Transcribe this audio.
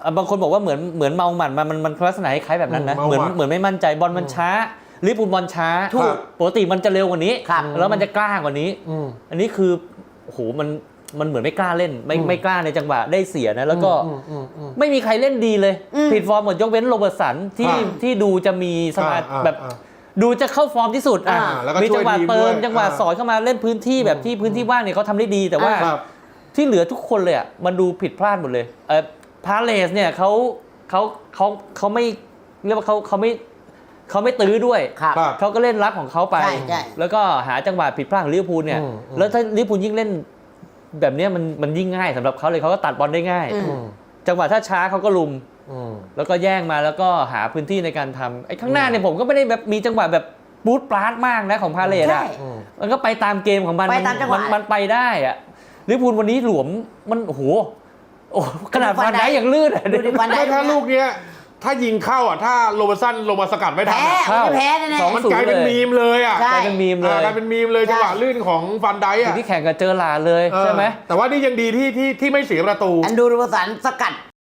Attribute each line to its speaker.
Speaker 1: บางคนบอกว่าเหมือนเมาหมัดมันลักษณะคล้ายแบบนั้นนะเหมือนไม่มั่นใจบอลมันช้าลิเวอร์พูลบอลช้าปกติมันจะเร็วกว่านี้แล้วมันจะกล้ากว่านี้อันนี้คือโอ้โหมันเหมือนไม่กล้าเล่นไม่กล้าในจังหวะได้เสียนะแล้วก็ไม่มีใครเล่นดีเลยผิดฟอร์มหมดยกเว้นโรเบิร์ตสันที่ดูจะมีสมาธิแบบดูจะเข้าฟอร์มที่สุดมีจังหวะเติมจังหวะสอยเข้ามาเล่นพื้นที่แบบที่พื้นที่ว่างเนี่ยเขาทำได้ดีแต่ว่าที่เหลือทุกคนเลยมันดูผิดพลาดหมดเลยพาเลสเนี่ยเขาไม่เรียกว่าเขาไม่ตื้อด้วยเขาก็เล่นรับของเขาไปแล้วก็หาจังหวะผิดพลาดของลิเวอร์พูลเนี่ยแล้วถ้าลิเวอร์พูลยิ่งเล่นแบบนี้มันยิ่งง่ายสำหรับเขาเลยเขาก็ตัดบอลได้ง่ายจังหวะถ้าช้าเขาก็ลุมแล้วก็แย่งมาแล้วก็หาพื้นที่ในการทำไอ้ข้างหน้าเนี่ยผมก็ไม่ได้แบบมีจังหวะแบบบูทปลาดมากนะของพาเลสมันก็ไปตามเกมของมันไปได้อะลิเวอร์พูลวันนี้หลวมมันโอ้โหขนาดฟันได้อย่างลื่น
Speaker 2: ไม่ถ้าลูกเนี้ยถ้ายิงเข้าถ้าโรเบอร์สันลงมาสกัดไม่ทัน
Speaker 3: แพ้แน่
Speaker 2: ๆมันกลายเป็นมีมเลย
Speaker 1: กลายเป็นมีมเลย
Speaker 2: จังหวะลื่นของฟันได
Speaker 1: ที่แข่งกับเจอหลาเลยใช่ไหม
Speaker 2: แต่ว่านี่ยังดีที่ไม่เสียประตู
Speaker 3: อันดูโรเบอร์สันสกัด